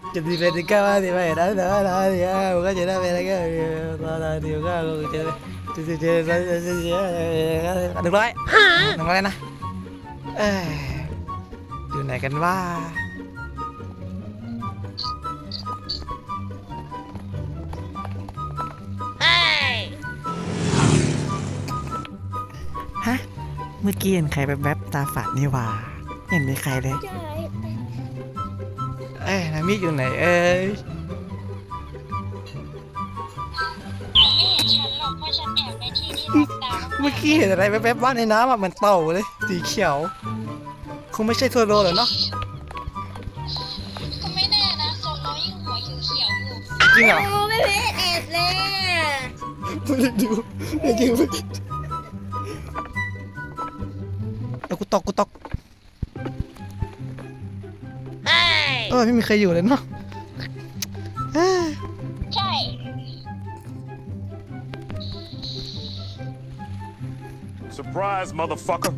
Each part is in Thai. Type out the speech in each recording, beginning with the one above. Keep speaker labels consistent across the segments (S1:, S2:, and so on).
S1: จะดีเป็นก็ว่าดีไปนะเดี๋ยวนะเดี๋ยวมันก็จะได้เป็นอะไรก็เดี๋ยวก็จะ100นะอยู่ไหนกันว่าฮะเมื่อกี้เห็นใครแวบๆตาฝาดนี่ว่าเห็นมีใครเลยนามิอยู่ไหน
S2: ไม่เห็นฉันหรอกเพราะฉันแอบในที่ที่รับตา
S1: เมื่อกี้เห็นอะไรแวบๆว่างในน้ำอ่ะเหมือนเต่าเลยสีเขียวคงไม่ใช่โซโลหรอกเนาะ
S2: ก็ไม่แน่นะโซโลยิ่งหัวเขียวๆอยู่
S1: จริงเหรอ
S3: โอ้ไม่เพชรแอบเลย
S1: ไม่ได้ดูไม่จริงแล้วกูตกไม่มีใครอยู่เลยเนาะ
S2: ใช่
S4: Surprise, motherfucker.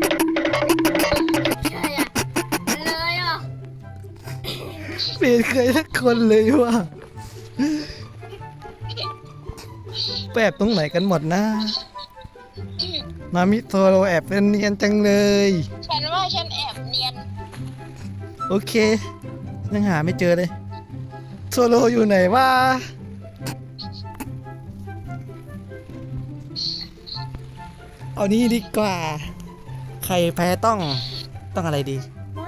S3: ใช่อะเลยอ่ะ
S1: เปลี่ยนใครสักคนเลยว่ะไปแอบตรงไหนกันหมดนะนามิโซโลแอบเป็นเนียนจังเลย
S2: ฉันว่าฉันแอบเนียน
S1: โอเคยังหาไม่เจอเลยโซโลอยู่ไหนวะเอานี้ดีกว่า ใครแพ้ต้องอะไรดี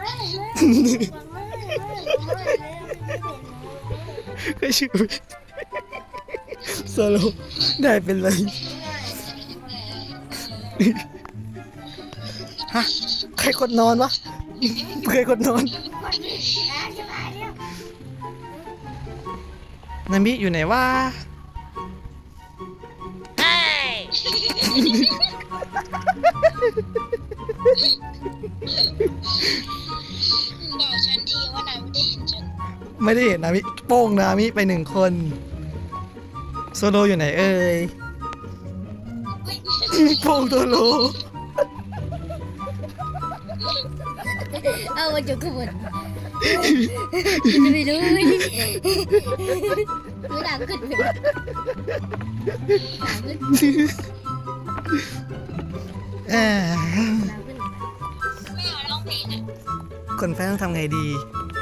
S1: ก็ชื่อโซโลได้เป็นเลยฮะใครกดนอนวะใครกดนอนนามิอยู่ไหนวะ
S2: บอกฉันทีว่านายไม่ได้เห็นฉัน
S1: ไม่ได้เห็นนามิโป้งนามิไป1 คนโซโลอยู่ไหนเอ่ยโป้งโซโล
S3: เอามาจุกขบวนไม่รู้รู้ดังขึ้นไปดังขึ้น
S1: เอ้ย
S3: น้ำขึ้น
S2: ไม่เอาร้องเพลงอ่ะ
S1: คนแพ้ต้องทำไงดี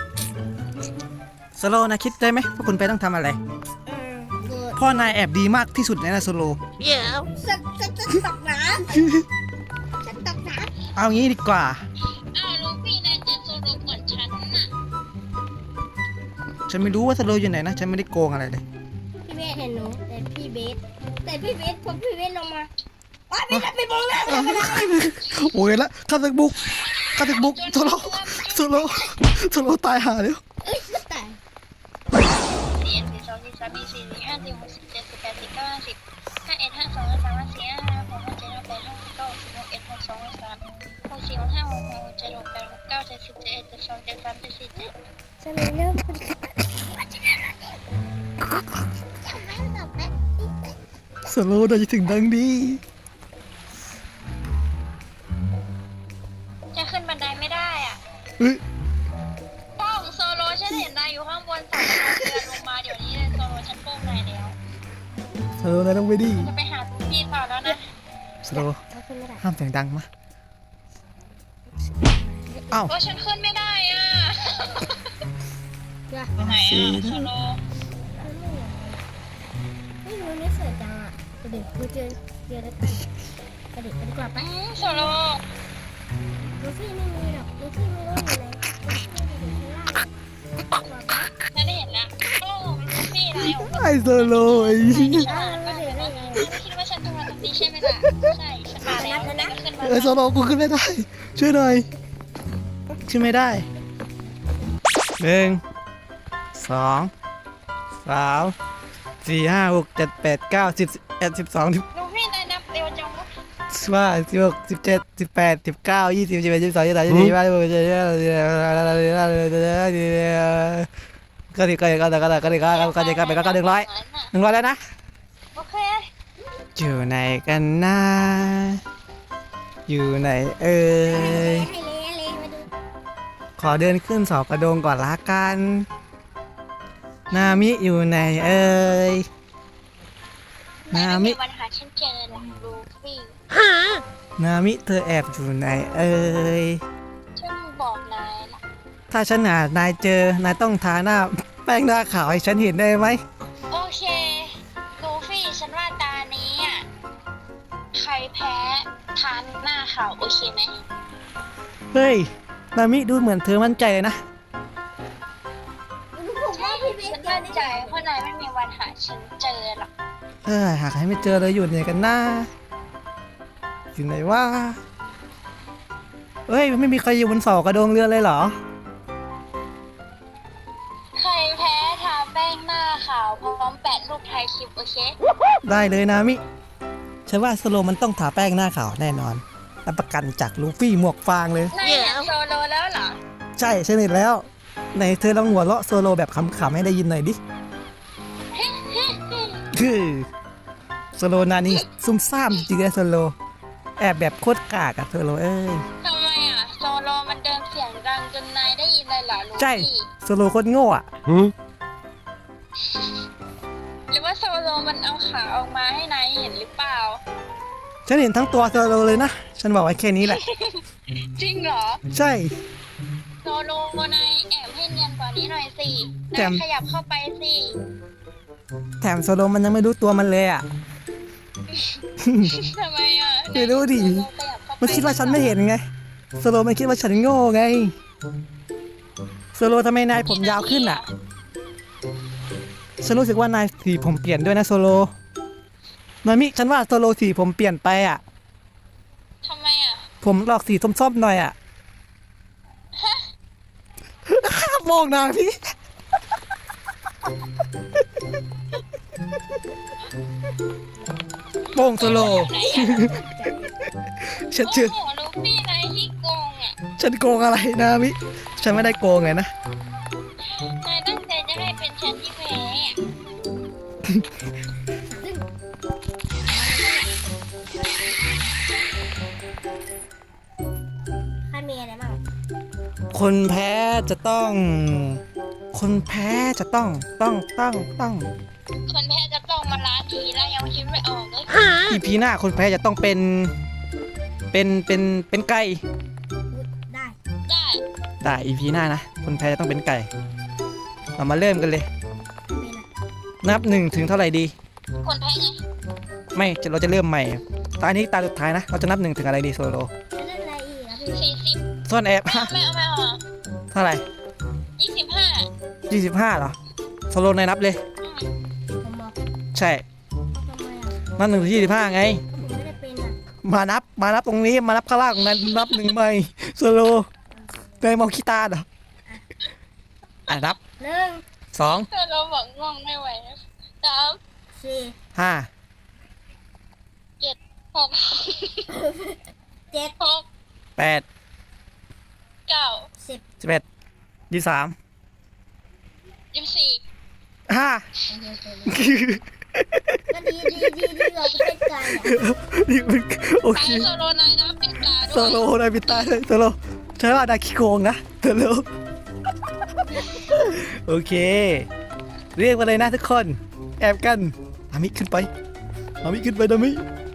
S1: โซโลนะคิดได้ไหมว่าคนแพ้ต้องทำอะไร
S3: โกรธ
S1: พ่อนายแอบดีมากที่สุดเลยนะโซโล
S3: ฉันตกน้ำฉันตกน้
S1: เอางี้ดีกว่า
S2: อ้าวลูฟี่นายเจอโซโลก่อนฉันน่ะ
S1: ฉันไม่รู้ว่าโซโลอยู่ไหนนะ ฉันไม่ได้โกงอะไรเลย
S3: ำพี่เบสเห็นหนูแต่พี่เบสพอพี่เบสลงมาอ๋อพี่จะไปมองหน้าไม่ได้
S1: โอ้ยละข้าศึกบุกโซโลโซโลตายหาแล้ว
S3: เอ้ยไม่ตาย ฉันเลยเริ่มทำไมตอบแป๊บ
S1: โซโลน่าจะถึงดังดี
S2: จะขึ้นบันไดไม่ได้อ่ะ
S1: เฮ้ย
S2: ป้องโซโลฉันเห็นนายอยู่ข้างบนสั่งให้เดินลงมาเดี๋ยวนี้เลยโซโลฉันโป้งนายแล้ว
S1: โซโลนายต้องไปดี
S2: จะไปหาพี่ต่อแล้วนะ
S1: โซโล
S3: เขาขึ้นไม่ได้
S1: ห้ามเสียงดังมาเอ้า
S2: โอ้ฉันขึ้นไม่ได้อ่ะ
S3: จ้ะ
S2: ไปไหนอ่ะโซโล
S3: ไม่รู้นี่สวยจังอ่ะกระดิ่งกูเจอแล้วกันกระดิ่งกันดีกว่าปะ
S2: โซโล
S3: ลูฟี่ไม่มีหรอกลูฟี่ไม่รู้อยู่ไหนลูฟี่อยู่ข้างล่างดีกว่าปะ
S2: ฉันได้เห็นแล้วโอ้ลูฟี่นายออกมา
S1: ไอโซโลไอ้
S2: ฉลาดมากเลยนะไม่คิดว่าฉันจะมาตรงนี้ใช่ไหมล่ะใช่ฉันมาแล้วฉันก็ขึ้นมา
S1: เออโซโลกูขึ้นไม่ได้ ช่วยหน่อยขึ้นไม่ได้1 2 3 4 5 6 7 8 9 10 11 12
S2: ลูฟี่นายนับเร็วจังวะ
S1: 16 17 18 19 20 21 22 23 24 25 ก็ดีก็100แล้วนะ
S2: โอเค
S1: อยู่ไหนกันนะอยู่ไหนเอ่ย
S3: ให้เลยมาดู
S1: ขอเดินขึ้นเสากระโดงก่อนละกัน นามิอยู่ไหนเอ่ย นามิ
S2: วันหาฉันเจอหลังลูฟี่
S1: นามิเธอแอบอยู่ไหนเอ่ย
S2: ฉันบอกนายละ
S1: ถ้าฉันหานายเจอนายต้องทาหน้าแป้งหน้าขาวให้ฉันเห็นได้ไหม
S2: โอเคลูฟี่ฉันว่าตานี้อ่ะใครแพ้ทานหน้าขาวโอเคไหม
S1: เฮ้ย นามิดูเหมือนเธอมั่นใจเลยนะ
S3: ผมว่าพี่เบส
S2: ฉันมั่นใจเพราะนายไม่มีวันหาฉันเจอหรอก
S1: หากให้ไม่เจอเลยอยู่ไหนกันนะอยู่ไหนวะเฮ้ยไม่มีใครอยู่บนเสากระโดงเรือเลยเหรอ
S2: ใครแพ้ทาแป้งหน้าขาวพร้อมแปะรูปไทยคลิปโอเค
S1: ได้เลยนามิฉันว่าสโลมันต้องทาแป้งหน้าขาวแน่นอนรับประกันจากลูฟี่หมวกฟางเลย
S2: นายเห็นโซโลแล้วเหรอ
S1: ใช่ฉันเห็นแล้วไหนเธอลองหัวเราะโซโลแบบขำๆให้ได้ยินหน่อยดิคือโซโลนานี่ซุ่มซ่ามจริงๆนะโซโลแอบแบบโคตรกากอะโซโลเอ้ย
S2: ทำไมอ่ะโซโลมันเดินเสียงดังจนนายได้ยินเลยเหรอลู
S1: ใช่
S2: ฟี่
S1: โซโลโคตรโง่อะ
S2: หรือว่าโซโลมันเอาขาออกมาให้นายเห็นหรือเปล่า
S1: ฉันเห็นทั้งตัวโซโลเลยนะฉันบอกไว้แค่นี้แหละ
S2: จริงเหรอ
S1: ใช่
S2: โซโลนายแอบให้เนียนกว่านี้หน่อยสิ
S1: แต่
S2: นายขยับเข้าไปสิ
S1: แถมโซโลมันยังไม่รู้ตัวมันเลยอะ
S2: ทำไมอ่ะ
S1: ไม่รู้ดิ
S2: โซโลขยับเข้าไป
S1: มันคิดว่าฉันไม่เห็นไงโซโลมันคิดว่าฉันโง่ไงโซโลทำไมนายผมยาวขึ้นอะฉันรู้สึกว่านายสีผมเปลี่ยนด้วยนะโซโลนามิฉันว่าโซโลสีผมเปลี่ยนไปอะ
S2: ทำไมอ่ะ
S1: ผมหลอกสีส้มๆหน่อยอะมองนาพี่โป้งโซโล ฉันเชื่อ
S2: โอ้โหลูฟี่นายที่โกงอ่ะ
S1: ฉันโกงอะไรนะมิฉันไม่ได้โกงไงนะ
S2: นายตั้งใจจะให้เป็นฉันที่แพ้อะ
S3: ใครมีอะไรบ้าง
S1: คนแพ้จะต้อง คนแพ้จะต้อง
S2: คนแพ้จะต้องมาล้าทีแล้วยังคิดไม่ออกเลย
S1: อีพีหน้าคนแพ้จะต้องเป็นเป็นไก่
S3: ได้
S2: ได้
S1: ได้ EP หน้านะคนแพ้จะต้องเป็นไก่เรามาเริ่มกันเลย
S3: เป็นอะ
S1: นับ1ถึงเท่าไหร่ดี
S2: คนแพ้ไง
S1: ไม่เราจะเริ่มใหม่ตานี้ตาสุดท้ายนะเราจะนับ1ถึงอะไรดีโซโล
S3: จะเล่นอะไรอีกอะพี่
S2: 40
S1: ซ่อนแอบ
S2: ไม่เอา
S1: เท่าไหร่
S2: 25
S1: 25เหรอโซโลนายนับเลย
S3: ผมบอก
S1: ใช่
S3: ทำไมอะ
S1: นับ1ถึง25ไง
S3: ผมไม่ได้เป็นอะ
S1: มานับตรงนี้มานับข้างล่างนั้นนับ1ใหม่โซโลนายมองขี้ตาเหรอนับ
S3: 1
S1: 2
S2: แต่เราบอกง่วงไม่ไหว3
S3: 4
S1: 5
S2: 7 6
S3: 7
S2: 6
S1: 8
S2: 9
S3: 10
S1: 11 23
S2: 24
S1: 5
S3: ก็ดีเราเป็นไก่อะ
S1: นี่มันโอ
S2: ไป
S1: เค
S2: โซโลนายนะปิดตา
S1: โซ
S2: ด้วย
S1: โลนายปิดตาเลยโซโลใช่ว่านาคิโกงนะโซโลโอเค เรียกมาเลยนะทุกคน แอบกันอามิขึ้นไปอามิขึ้นไปนามิ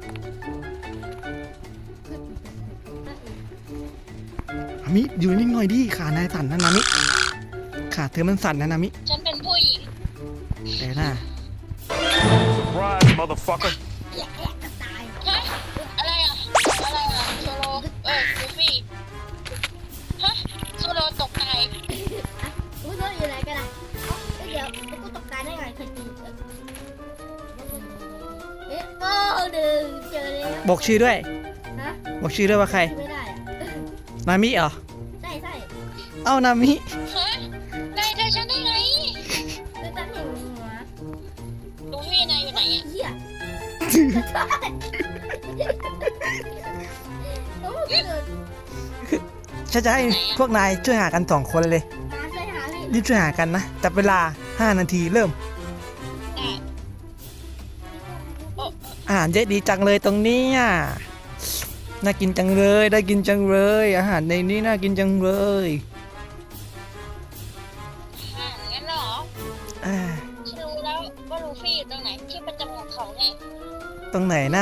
S1: อามิอยู่นิ่งๆหน่อยดิขานายสั่นนะนามิขาเธอมันสั่นนะนามิ
S2: ฉันเป็นผู้หญิง
S1: แต่หน้า
S4: Surprise, motherfucker.
S3: แยกกระต่าย
S2: ฮะอะไรอ่ะโซโลลูฟี่ฮะโซโลตกใจ
S3: อุ้ยรถอยู่ไหนกันอะเดี๋ยวกูตกตายได้ไงเคยตีโอ้ดึงเจอแล้ว
S1: บอกชื่อด้วย
S3: ฮะ
S1: บอกชื่อด้วยว่าใคร
S3: ไม่ได้อะ
S1: นามิเหรอ
S3: ใช่
S1: เอ้านามิ
S2: ฮะนายเจอฉันได้ไง
S3: คือตั้งอย่างหัว
S2: ลูฟี่นายอยู่ไหนอ่ะ
S3: เหี้ยโอ้โหเกิด
S1: ฉันจะให้พวกนายช่วยหากัน2 คนเลย
S3: มาช่วยหาพี่
S1: รีบช่วยหากันนะจับเวลา5 นาทีเริ่ม
S2: ได้โอ้
S1: อาหารเยอะดีจังเลยตรงนี้อ่ะน่ากินจังเลยได้กินจังเลย อาหารในนี้น่ากินจังเลย
S2: งั้นเหรอ
S1: อ่า
S2: ฉันรู้แล้วว่าลูฟี่อยู่ตรงไหนที่ประจำของเขาไง
S1: ตรงไหนนะ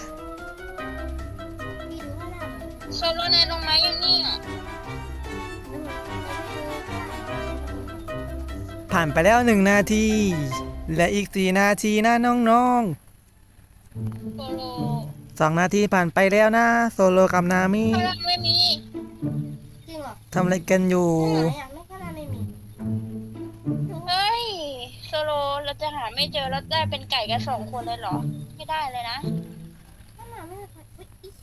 S3: พี่รู้ว่าอะไร
S2: โซโลนายลงมาอย่างนี้อ่ะ
S1: ผ่านไปแล้ว1 นาทีและอีก4 นาทีนะน้อง
S2: โซโล
S1: ๆ2 นาทีผ่านไปแล้วนะโซโลกับนามิ
S2: พลังไม่มี
S3: จริงเหรอ
S1: ทำอะไรกันอยู่
S3: ไหนอะไม่ก็น่าไม่มี
S2: เฮ้ยโซโลเราจะหาไม่เจอแล้วได้เป็นไก่กัน2 คนเลยเหรอ ไม่ได้เลยนะ
S3: ก็น่าไม่ได้อุ๊ยอี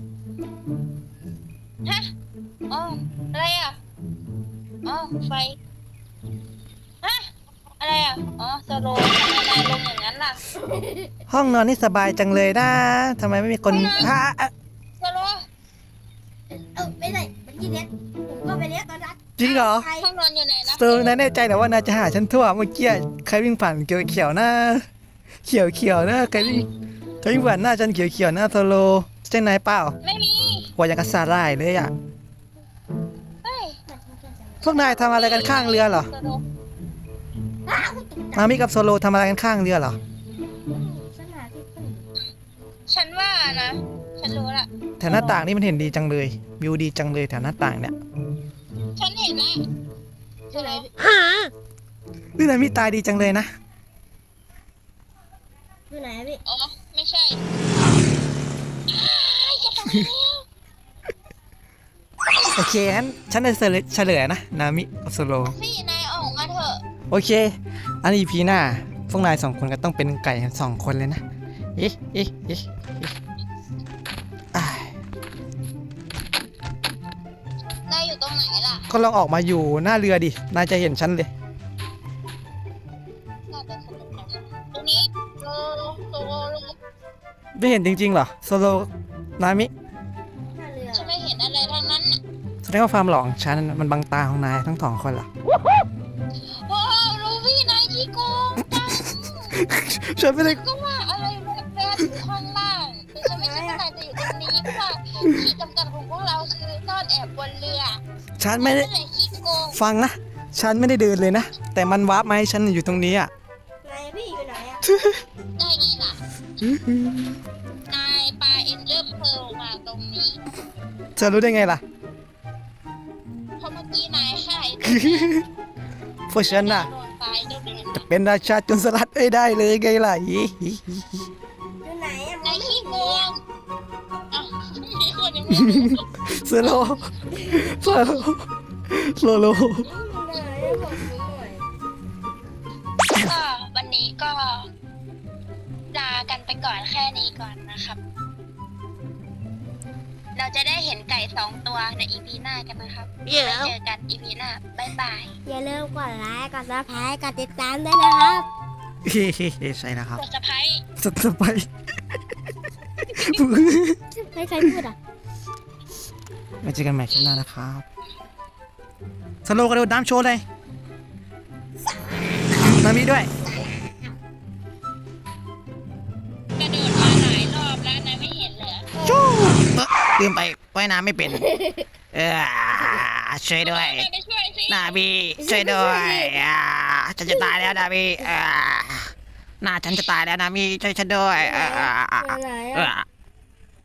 S2: ฮะอ๋ออะไรอ่ะอ๋อไฟฮะอะไรอ่ะอ๋อโซโลทำไมนายลงอย่างนั้นล่ะ
S1: ห้องนอนนี่สบายจังเลยนะทำไมไม่มีคนอ่ะ
S2: โซโล
S3: ไม่ใช่เป็นยี่เด็ดผมก็ไปเลี้ยงตอนนั้น
S1: จริงเหรอ
S3: ใคร
S2: ห้องนอนอยู่ไหนนะ
S1: โซโลนายแน่ใจเหรอว่านายจะหาฉันทั่วเมื่อกี้ใครวิ่งผ่านเขียวๆนะเขียวๆนะใครวิ่งผ่านหน้าฉันเขียวๆนะโซโลใช่นายเปล่า
S2: ไม่มี
S1: หัวอย่างกับสาหร่ายเลยอ่ะ
S2: เฮ้ย
S1: พวกนายทำอะไรกันข้างเรือเหรอ
S2: โซโล
S3: อ้าวตกใจ
S1: นามิกับโซโลทำอะไรกันข้างเรือเหรอ
S3: ฉันหาที่พึ่ง
S2: ฉันว่านะ ฉันรู้ละ
S1: แถวหน้าต่างนี่มันเห็นดีจังเลยวิวดีจังเลยแถวหน้าต่างเนี่ย
S2: ฉันเห็นแล้ว
S3: ที่ไหน
S1: นี่นามิตายดีจังเลยนะ
S3: ที่ไหนพี่
S2: อ๋อ ไม่ใช่อ้ายจะตายแล้ว
S1: โอเคงั้นฉันจะเฉลยนะนามิกับโซโล
S2: พี่นายออกมาเถอะ
S1: โอเค อันนี้พีหน้าพวกนาย2 คนก็ต้องเป็นไก่กัน2 คนเลยนะเอ๊ะอ้าย
S2: นายอยู่ตรงไหนล่ะ
S1: ก็ลองออกมาอยู่หน้าเรือดินายจะเห็นฉันเลย
S2: น่าจะสนุกนะตรงนี้โซโล
S1: ไม่เห็นจริงๆเหรอโซโลนามิ
S3: ท่าเรือ
S2: ฉันไม่เห็นอะไรทั้งนั้นน่ะ
S1: แสดงว่าความหลอกของฉันมันบังตาของนายทั้ง2 คนเหรอ
S2: โอ้ลูฟี่นายขี้โกงจัง
S1: ฉันไม่ได้
S2: ก็ว่าอะไรแบบๆอยู่ข้างล่างแต่ฉันไม่คิดว่านายจะอยู่ตรงนี้เพราะว่าขีดจำกัดของพวกเราคือซ่อนแอบบนเรือ
S1: ฉันไม่ได้
S2: นั่นแหละขี้โกง
S1: ฟังนะฉันไม่ได้เดินเลยนะแต่มันวาร์ปมาให้ฉันอยู่ตรงนี้อ่ะ
S3: ไหนพี่อยู่ไหนอะ
S2: ได้ไงล่ะ นายปาเอ็นเดอร์เพลมาตรงรงนี้
S1: เธอรู้ได้ไงล่ะ
S2: เพราะเมื่อกี้นายฆ่าไอ้
S1: เพราะฉันน่ะ
S2: โดนตายเดิน
S1: จะเป็นราชาโจรสลัดให้ได้เลยไงล่ะ
S3: อยู่ไหนอะ
S2: นายขี้โกงอ่ะมีคนยังไม่รู้
S1: สโลสโลสโล
S3: ไหนอะบอกหนูหน่อย
S2: ก็วันนี้ก็ลากันไปก่อนแค่นี้ก่อนนะครับ เราจะได้เห็นไก่2 ตัวในอีพีหน้ากันนะครับไว้เจอกันอีพีหน้า บ๊ายบาย
S3: อย่าลืมกดไลค์กดซับสไครต์กดติดตามด้วยนะครับ
S1: ใช่แล้วครับ
S2: กดสะพาย
S1: สบาย
S3: ใครพูดอ่ะ
S1: ไว้เจอกันใหม่คลิปหน้านะครับสโลกระโดดน้ำโชว์เลยนามีด้วย
S2: กระโดดมาหลายรอบแล้วนะไม่เห็นเหรอ
S1: ลืมไปว่ายน้ำไม่เป็น ช่วยด้วย
S2: ไปช่วยสิ
S1: นาบีช่วยด้วยฉันจะตายแล้วนาบีหน้าฉันจะตายแล้วนาบีช่วยฉันด้วย
S3: อยู่ไหนอะ